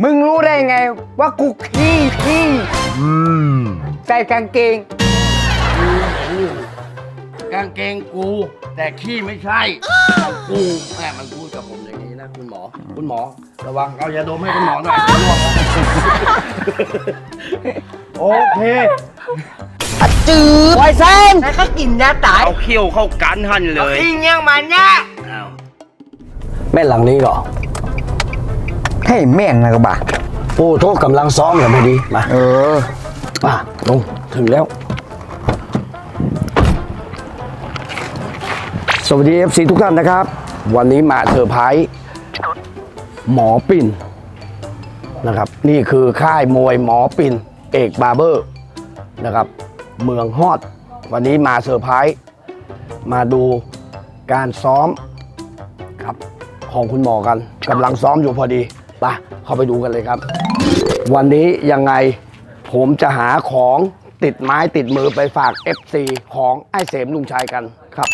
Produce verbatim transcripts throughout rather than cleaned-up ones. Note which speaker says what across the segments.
Speaker 1: มึงรู้ได้ไงว่ากูขี้ขี้ใส่กางเกง
Speaker 2: กางเกงกู แต่ขี้ไม่ใช่ของกูแม่มันพูดกับผมอย่างนี้นะคุณหมอ คุณหมอ ระวังเอายาดมให้คุณหมอหน่อยร่วงแล้วโอเค
Speaker 1: จืดไวเซน
Speaker 3: แล้วก็กินยาตาย
Speaker 2: เอาเขี้ยวเข้ากันหันเลย
Speaker 3: กินยังมันเนี่ย
Speaker 2: แม่หลังนี้เหรอ
Speaker 1: ให้แม่งนะกบ่า
Speaker 2: โอ้โทษกำลังซ้อมเหรอพอดีมา
Speaker 1: เออ
Speaker 2: มาลงถึงแล้ว สวัสดี เอฟ ซี ทุกท่านนะครับ วันนี้มาเซอร์ไพรส์หมอปิ่นนะครับ นี่คือค่ายมวยหมอปิ่นเอกบาร์เบอร์นะครับ เมืองฮอด วันนี้มาเซอร์ไพรส์มาดูการซ้อมครับของคุณหมอกันกำลังซ้อมอยู่พอดีไปเข้าไปดูกันเลยครับ วันนี้ยังไงผมจะหาของติดไม้ติดมือไปฝาก เอฟ ซี ของไอ้เสมลุงชัยกันครับ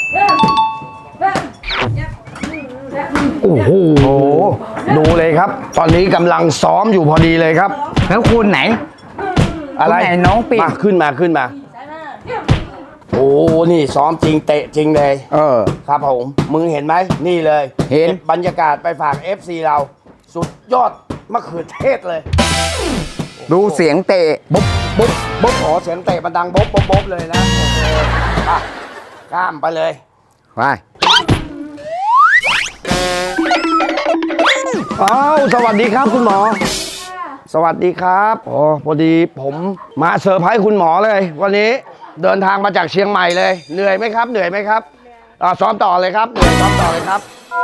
Speaker 2: โอ้โห ดูเลยครับ ตอนนี้กำลังซ้อมอยู่พอดีเลยครับ
Speaker 1: แล้วคุณไหน
Speaker 2: อะไร
Speaker 1: คนไหนน้องปิ่น
Speaker 2: มาขึ้นมาขึ้นมา โอ้ นี่ซ้อมจริงเตะจริงเลย
Speaker 1: เออ
Speaker 2: ครับผม มึงเห็นไหม นี่เลย
Speaker 1: เห็น
Speaker 2: ก็บบรรยากาศไปฝาก เอฟ ซี เรา สุดยอดมะเขือเทศเลย
Speaker 1: ดูเสียงเตะ
Speaker 2: บ๊บบ๊บบ๊บขอเสียงเตะมันดังบ๊บบ๊บบ๊บเลยนะโอเคอ่ะข้ามไปเลย
Speaker 1: ไป
Speaker 2: อ้าวสวัสดีครับคุณหมอ สวัสดีครับโอ้พอดีผมมาเซอร์ไพรส์คุณหมอเลย วันนี้เดินทางมาจากเชียงใหม่เลย เหนื่อยไหมครับ เหนื่อยไหมครับอ่าซ้อมต่อเลยครับเหนื่อยซ้อมต่อเลยครับ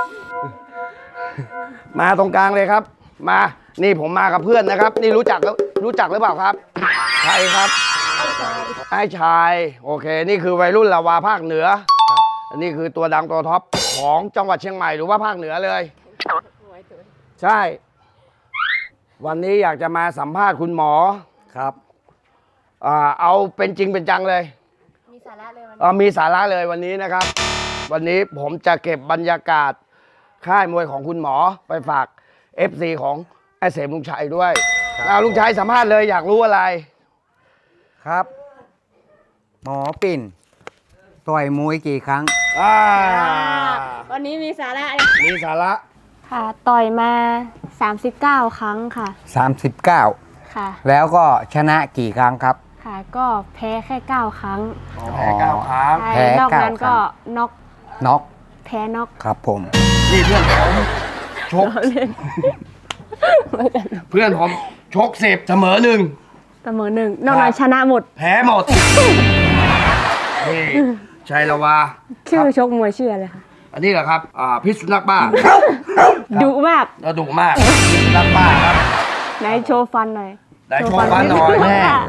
Speaker 2: มาตรงกลางเลยครับ มานี่ผมมากับเพื่อนนะครับ นี่รู้จักแล้วรู้จักหรือเปล่าครับใครครับไอ้ชายโอเค นี่คือวัยรุ่นลาวาภาคเหนืออันนี้คือตัวดังตัวท็อปของจังหวัดเชียงใหม่หรือว่าภาคเหนือเลย ใช่ วันนี้อยากจะมาสัมภาษณ์คุณหมอครับอ่าเอาเป็นจริงเป็นจังเลย
Speaker 4: มีสาระเลยวัน
Speaker 2: อ่ามีสาระเลยวันนี้นะครับ วันนี้ผมจะเก็บบรรยากาศค่ายมวยของคุณหมอไปฝาก เอฟ ซี ของไอ้เสมลุงชัยด้วยเอาลุงชัยสัมภาษณ์เลยอยากรู้อะไร
Speaker 1: ครับ หมอปิ่น ต่อยมวยกี่ครั้ง
Speaker 2: อ่า
Speaker 4: วันนี้มีสาระ
Speaker 2: มีสาระ
Speaker 4: ค่ะ ต่อยมาสามสิบเก้าครั้งค่ะ
Speaker 1: สามสิบเก้า
Speaker 4: ค่ะ
Speaker 1: แล้วก็ชนะกี่ครั้งครับ
Speaker 4: ค่ะ ก็แพ้แค่เก้าครั้ง
Speaker 2: แพ้เก้าครั้ง
Speaker 4: ใช่
Speaker 1: แพ้
Speaker 4: นอกนั้น
Speaker 1: เก้าครั้
Speaker 4: ก็
Speaker 1: ง
Speaker 4: น็อก
Speaker 1: น็อก
Speaker 4: แพ้น็อก
Speaker 1: ครับผม
Speaker 2: นี่เพื่อนผมชกเพื่อนผมชกสิบเสมอหนึ่ง
Speaker 4: เสมอหนึ่งนอกนั้นชนะหมด
Speaker 2: แพ้หมดนี่ชัยละวา
Speaker 4: ชื่อชกมวยชื่ออะไรคะ
Speaker 2: อันนี้เหรอครับอ่าพิษสุนัขบ้า
Speaker 4: ดุมาก
Speaker 2: เราดุมากพิษสุนัขบ้าครับ
Speaker 4: ไหนโชว์ฟันหน่อย
Speaker 2: ไหนโชว์ฟันหน่อย
Speaker 4: โชว์ฟั
Speaker 2: แม่
Speaker 4: ค่ะ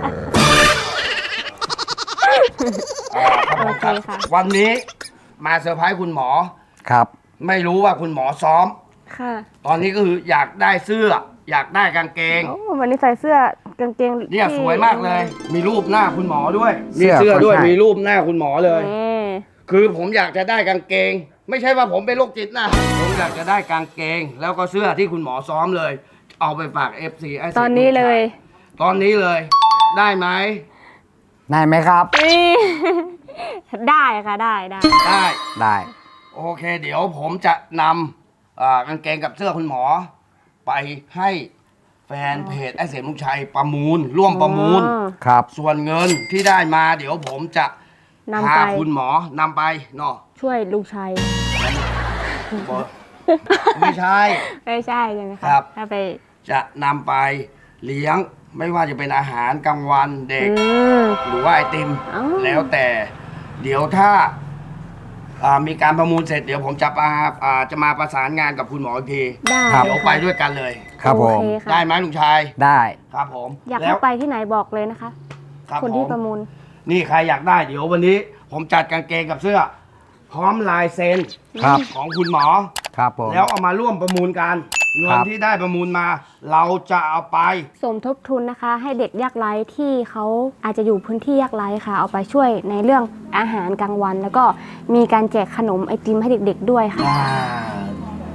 Speaker 2: อ่าครับผมครับ
Speaker 4: โอเคค่ะ
Speaker 2: วันนี้มาเซอร์ไพรส์คุณหมอ
Speaker 1: ครับ
Speaker 2: ไม่รู้ว่าคุณหมอซ้อม
Speaker 4: ค่ะ
Speaker 2: ตอนนี้ก็คืออยากได้เสื้อ อยากได้กางเกง
Speaker 4: โอ้วันนี้ใส่เสื้อกางเกง
Speaker 2: เนี่ย
Speaker 4: ที่
Speaker 2: สวยมากเลย มีรูปหน้าคุณหมอด้วย
Speaker 1: เสื้
Speaker 2: มี
Speaker 1: อ
Speaker 2: เสื้อด้วย
Speaker 1: ก็ใช่
Speaker 2: มีรูปหน้าคุณหมอเลย
Speaker 4: นี่
Speaker 2: คือผมอยากจะได้กางเกง ไม่ใช่ว่าผมเป็นโรคจิตนะ ผมอยากจะได้กางเกง แล้วก็เสื้อที่คุณหมอซ้อมเลย เอาไปฝาก เอฟ ซี ไอ้
Speaker 4: ตอนนี้เลย
Speaker 2: ตอนนี้เลย ได้ไหม
Speaker 1: ได้ไหมครับ
Speaker 4: นี่ ได้ค่ะได้ได้
Speaker 2: ได้
Speaker 1: ได้
Speaker 2: โอเค เดี๋ยวผมจะนำอ่ากางเกงกับเสื้อคุณหมอ ไปให้แฟนเพจไอ้เสมลุงชัยประมูล ร่วมประมูล
Speaker 4: อ๋อ
Speaker 1: ครับ
Speaker 2: ส่วนเงินที่ได้มา เดี๋ยวผมจะ
Speaker 4: นำ
Speaker 2: พา
Speaker 4: ไป
Speaker 2: คุณหมอนำไปเนาะ
Speaker 4: ช่วยลุงชัย
Speaker 2: บอกไม่ใช่
Speaker 4: ไม่ใช่ใช่ไหมคะ
Speaker 2: ครับ
Speaker 4: ถ้าไป
Speaker 2: จะนำไปเลี้ยงไม่ว่าจะเป็นอาหารกลางวันเด็ก
Speaker 4: อืม
Speaker 2: หรือว่าไอติม
Speaker 4: อ๋อ
Speaker 2: แล้วแต่ เดี๋ยวถ้าอ่ามีการประมูลเสร็จ เดี๋ยวผมจะมาอ่าจะมาประสานงานกับคุณหมออีกที
Speaker 4: ได้
Speaker 1: ครับ
Speaker 2: เดี๋ยวไปด้วยกันเลย
Speaker 1: ครับผม
Speaker 4: โอเคค่ะ
Speaker 2: ได้ไหมลุงชาย
Speaker 1: ได้
Speaker 2: ครับผม
Speaker 4: อยาก
Speaker 2: แล้
Speaker 4: ให้
Speaker 2: ว
Speaker 4: ไปที่ไหนบอกเลยนะคะ
Speaker 2: ครับ
Speaker 4: คนที่
Speaker 2: ผม
Speaker 4: ประมูล
Speaker 2: นี่ใครอยากได้เดี๋ยววันนี้ ผมจัดกางเกงกับเสื้อ พร้อมลายเซ็น
Speaker 1: ครับ
Speaker 2: ของคุณหมอ
Speaker 1: ครับผม
Speaker 2: แล้วเอามาร่วมประมูลกันเงิ
Speaker 1: ครั
Speaker 2: น
Speaker 1: บ
Speaker 2: ที่ได้ประมูลมา เราจะเอาไป
Speaker 4: สมทบทุนนะคะ ให้เด็กยากไร้ที่เขาอาจจะอยู่พื้นที่ยากไร้ค่ะ เอาไปช่วยในเรื่องอาหารกลางวัน แล้วก็มีการแจกขนมไอติมให้เด็กๆด้วยค่ะ
Speaker 2: อ่า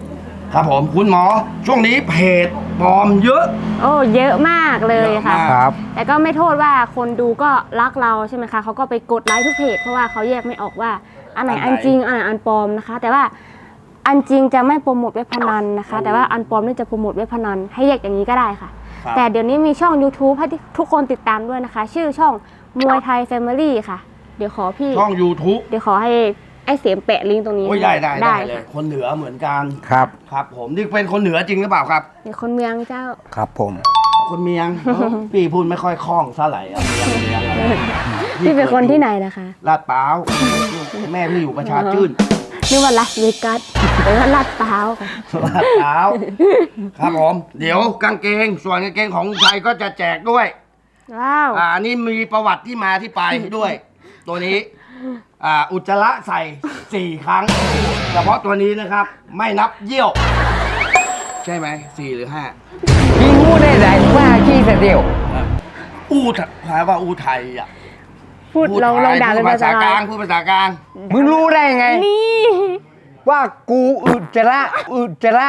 Speaker 2: ครับผมคุณหมอช่วงนี้เพจปลอมเยอะ
Speaker 4: โอ้เยอะมากเลยค่ะ
Speaker 2: เยอะมาก
Speaker 1: ครับ
Speaker 4: แต่ก็ไม่โทษว่าคนดูก็รักเราใช่ไหมคะเขาก็ไปกดไลค์ทุกเพจเพราะว่าเขาแยกไม่ออกว่าอันไหน
Speaker 2: อันไหน
Speaker 4: อันจริงอันไหนอันปลอมนะคะ แต่ว่าอันจริงจะไม่โปรโมทเว็บพนันนะคะ แต่ว่าอันปลอมนี่จะโปรโมทเว็บพนันให้แยกอย่างนี้ก็ได้ค่ะ
Speaker 2: ครับ
Speaker 4: แต่เดี๋ยวนี้มีช่อง YouTube ให้ทุกคนติดตามด้วยนะคะ ชื่อช่องมวยไทยแฟมิลี่ค่ะ เดี๋ยวขอพี่
Speaker 2: ช่อง YouTube
Speaker 4: เดี๋ยวขอให้ไอ้เสียมแปะลิงก์ตรงนี้
Speaker 2: โอ้ยได้ได้ได้เลย
Speaker 4: ค่ะ
Speaker 2: คนเหนือเหมือนกัน
Speaker 1: ครับ
Speaker 2: ครับผมนี่เป็นคนเหนือจริงหรือเปล่าครับ
Speaker 4: เดี๋ยวคนเมืองเจ้า
Speaker 1: ครับผม
Speaker 2: คนเมียง พี่พูดไม่ค่อยคล่องเท่าไหร่อะเมียงเมียงอะไร
Speaker 4: พี่เป็นคนที่ไหนนะคะ
Speaker 2: ลาดเปล่าวแม่พี่อยู่ประชาชื่น
Speaker 4: นึกว่าลาสเวกัสหรือว่าลาดพร้าวค่ะ
Speaker 2: ลาดเปล่าวครับผม เดี๋ยวกางเกง ส่วนกางเกงของลุงชัยก็จะแจกด้วย
Speaker 4: ว้าว
Speaker 2: อ่าอันนี้มีประวัติที่มาที่ไปด้วย ตัวนี้อ่าอุจจาระใส่สี่ครั้ง เฉพาะตัวนี้นะครับ ไม่นับเยี่ยว ใช่ไหมสี่หรือห้า
Speaker 1: พี่งูได้ไหนว่าขี้เสเดียว
Speaker 2: อูไทยแปลว่าอูไทยอ่ะ
Speaker 4: พูดลองลองด่า
Speaker 2: พู
Speaker 4: เป็น
Speaker 2: ดภาษาก
Speaker 4: ภาษากลา
Speaker 2: ลาง งพูดภาษากลาง
Speaker 1: มึงรู้ได้ไง
Speaker 4: นี่
Speaker 1: ว่ากูอุจจาระอุจจาระ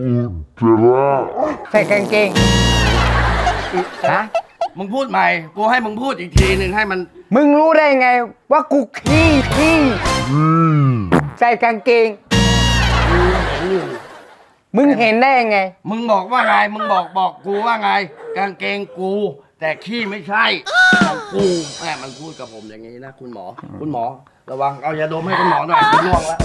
Speaker 1: ใส่กางเกงฮะ
Speaker 2: มึงพูดใหม่ กูให้มึงพูดอีกทีหนึ่งให้มัน
Speaker 1: มึงรู้ได้ไง ว่ากูขี้ขี้ใส่กางเกง มึงเห็นได้ยังไง
Speaker 2: มึงบอกว่าไง มึงบอกบอกกูว่าไง กางเกงกู แต่ขี้ไม่ใช่ของกูแม่มันพูดกับผมอย่างนี้นะ คุณหมอ คุณหมอ ระวังเอายาดมให้คุณหมอหน่อยคุณล่วงแล้ว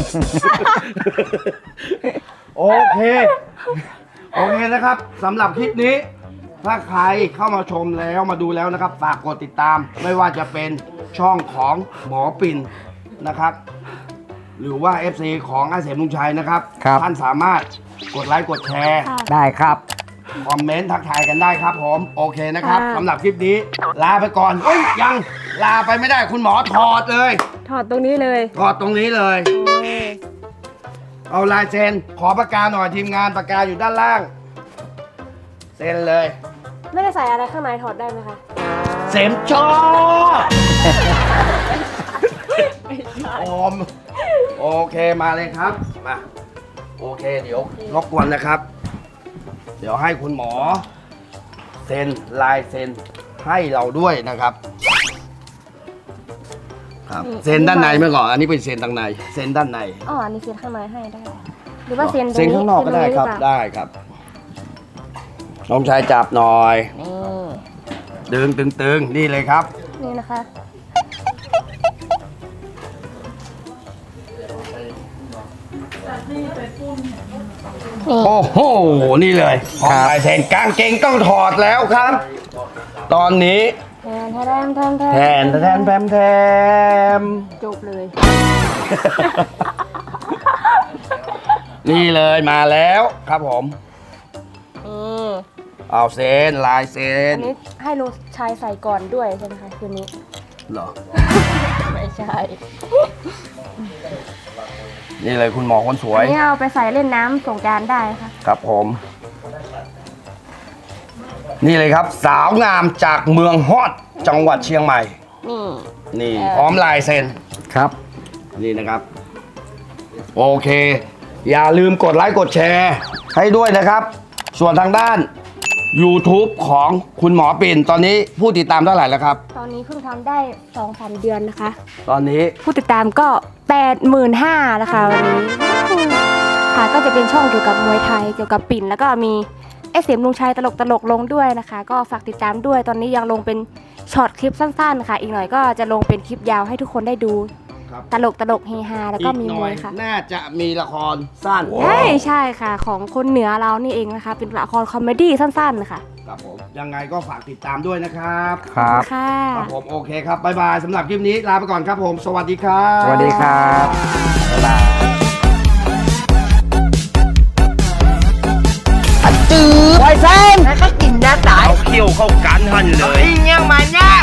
Speaker 2: โอเค โอเคนะครับสำหรับคลิปนี้ ถ้าใครเข้ามาชมแล้วมาดูแล้วนะครับ ฝากกดติดตาม ไม่ว่าจะเป็นช่องของหมอปิ่นนะครับ หรือว่า เอฟ ซี ของอาเสมลุงชัยนะครับ
Speaker 1: ครับ
Speaker 2: ท่านสามารถกดไลค์กดแชร์
Speaker 1: ได้ครับ
Speaker 2: คอมเมนต์ทักทายกันได้ครับผม โอเคนะครับ
Speaker 4: ค่ะ
Speaker 2: สำหรับคลิปนี้ ลาไปก่อนเอ้ยยังลาไปไม่ได้คุณหมอถอดเลย
Speaker 4: ถอดตรงนี้เลย
Speaker 2: ถอดตรงนี้เลย
Speaker 4: โอ้ย
Speaker 2: เอาลายเซ็นขอปากกาหน่อยทีมงานปากกาอยู่ด้านล่าง เซ็นเลย
Speaker 4: ไม่ได้ใส่อะไรข้างในถอดได้ไหมคะ
Speaker 2: เสมชอบโอมโอเคมาเลยครับมาโอเคเดี๋ยวรบกวนนะครับ เดี๋ยวให้คุณหมอ เซ็นลายเซ็นให้เราด้วยนะครับ ครับเซ็นด้านในเมื่อก่อนอันนี้เป็นเซ็นด้านในเซ็นด้านใน
Speaker 4: อ๋ออันนี้เซ็นข้างในให้ได้ หรือว่าเซ็นตรง
Speaker 2: เซ็นข้างนอกก็ได้ครับ
Speaker 4: เซ็นตงนี้หอเปล่า
Speaker 2: ได้ครับน้องชายจับหน่อย
Speaker 4: นี่
Speaker 2: ดึงตึงตึงนี่เลยครับ
Speaker 4: นี่นะคะ
Speaker 2: โอ้โห นี่เลยของลายเซ็นกางเกงต้องถอดแล้วครับ ตอนนี้
Speaker 4: แทนแทนแทนแท
Speaker 2: แทนแทนแพมแทม
Speaker 4: จบเลย
Speaker 2: นี่เลยมาแล้วครับผม
Speaker 4: นี่
Speaker 2: เอาเซ็นลายเซ็น
Speaker 4: อันนี้ให้ลูกชายใส่ก่อนด้วยใช่ไหมคะคืนนี้
Speaker 2: เหรอ
Speaker 4: ไม่ใช่
Speaker 2: นี่เลยคุณหมอคนสว
Speaker 4: อั
Speaker 2: ย
Speaker 4: นนี้เอาไปใส่เล่นน้ำสงกรารได้ค่ะ
Speaker 2: ครับผม นี่เลยครับ สาวงามจากเมืองฮอดจังหวัดเชียงใหม่
Speaker 4: นี่
Speaker 2: นี่
Speaker 4: เออ
Speaker 2: พร้อมลายเซ็น
Speaker 1: ครับ
Speaker 2: นี่นะครับ โอเค อย่าลืมกดไลค์กดแชร์ให้ด้วยนะครับ ส่วนทางด้าน YouTube ของคุณหมอปิ่น ตอนนี้ผู้ติดตามเท่าไหร่แล้วครับ
Speaker 4: ตอนนี้เพิ่งทำได้สองสามเดือนนะคะ
Speaker 2: ตอนนี้
Speaker 4: ผู้ติดตามก็ แปดหมื่นห้าพัน นะคะวันนี้ค่ะก็จะเป็นช่องเกี่ยวกับมวยไทยเกี่ยวกับปิ่น แล้วก็มีไอ้เสียมลุงชัยตลกตลกๆลงด้วยนะคะ ก็ฝากติดตามด้วย ตอนนี้ยังลงเป็นช็อตคลิปสั้นๆค่ะ อีกหน่อยก็จะลงเป็นคลิปยาวให้ทุกคนได้ดู
Speaker 2: ครับ
Speaker 4: ตลกตลกเฮฮาแล้วก็มี
Speaker 2: อีห
Speaker 4: ม
Speaker 2: น่อ
Speaker 4: วย ยค่ะ
Speaker 2: น่าจะมีละครสั้น
Speaker 4: ใช่ใช่ค่ะ ของคนเหนือเรานี่เองนะคะ เป็นละครคอมเมดี้สั้นๆค่ะ
Speaker 2: ครับผม ยังไงก็ฝากติดตามด้วยนะครับ
Speaker 1: ครับ
Speaker 4: ค่ะ
Speaker 2: ครับผมโอเคครับ บ๊ายบายสำหรับคลิปนี้ลาไปก่อนครับผม สวัสดีครับ
Speaker 1: สวัสดีครับบ๊ายบาย
Speaker 3: จืดไวเส้นแล้วก็กินหน้าตาย
Speaker 2: เอาเขี้ยวเข้ากันหันเลย
Speaker 3: ยังมาเนี่ย